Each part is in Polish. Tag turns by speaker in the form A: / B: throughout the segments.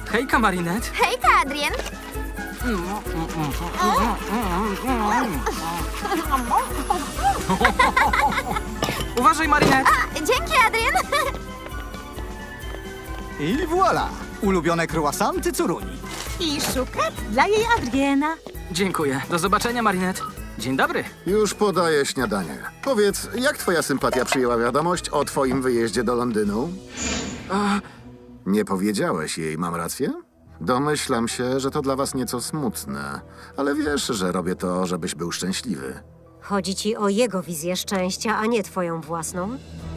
A: Hejka, Marinette.
B: Hejka, Adrien.
A: Uważaj, Marinette.
B: Dzięki, Adrien.
C: I voilà! Ulubione croissanty Curuni.
D: I szukat dla jej Adriena.
A: Dziękuję. Do zobaczenia, Marinette. Dzień dobry.
E: Już podaję śniadanie. Powiedz, jak twoja sympatia przyjęła wiadomość o twoim wyjeździe do Londynu? Nie powiedziałeś jej, mam rację? Domyślam się, że to dla was nieco smutne, ale wiesz, że robię to, żebyś był szczęśliwy.
F: Chodzi ci o jego wizję szczęścia, a nie twoją własną?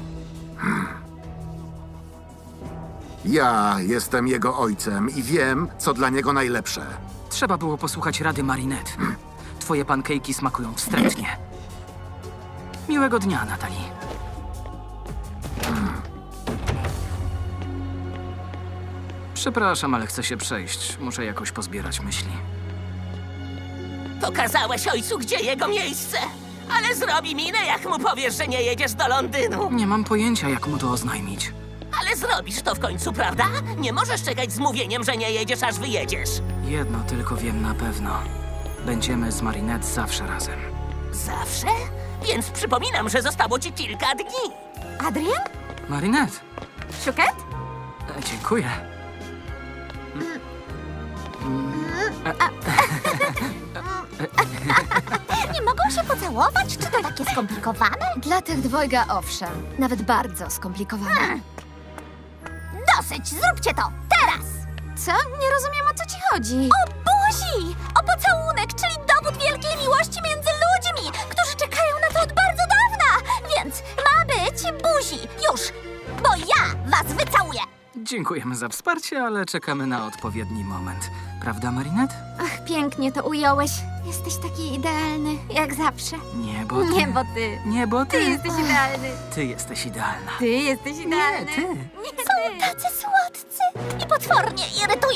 E: Ja jestem jego ojcem i wiem, co dla niego najlepsze.
A: Trzeba było posłuchać rady Marinette. Twoje pankejki smakują wstrętnie. Miłego dnia, Natalie. Przepraszam, ale chcę się przejść. Muszę jakoś pozbierać myśli.
G: Pokazałeś ojcu, gdzie jego miejsce. Ale zrobi minę, jak mu powiesz, że nie jedziesz do Londynu.
A: Nie mam pojęcia, jak mu to oznajmić.
G: Ale zrobisz to w końcu, prawda? Nie możesz czekać z mówieniem, że nie jedziesz, aż wyjedziesz.
A: Jedno tylko wiem na pewno. Będziemy z Marinette zawsze razem.
G: Zawsze? Więc przypominam, że zostało ci kilka dni.
B: Adrien?
A: Marinette,
B: Szukat?
A: dziękuję.
B: Nie mogą się pocałować? Czy to takie skomplikowane?
H: Dla tych dwojga owszem, nawet bardzo skomplikowane.
B: Dosyć, zróbcie to! Teraz!
H: Co? Nie rozumiem, o co ci chodzi.
B: O buzi! O pocałunek, czyli dowód wielkiej miłości między ludźmi, którzy czekają na to od bardzo dawna! Więc ma być buzi! Już! Bo ja was wycałuję!
A: Dziękujemy za wsparcie, ale czekamy na odpowiedni moment. Prawda, Marinette?
H: Ach, pięknie to ująłeś. Jesteś taki idealny, jak zawsze.
A: Nie, bo ty.
H: Nie, bo ty.
A: Nie, bo ty.
H: Ty jesteś idealny.
A: Ty jesteś idealna.
H: Ty jesteś idealny.
A: Nie, ty.
H: Nie,
B: Są tacy słodcy i potwornie irytujący!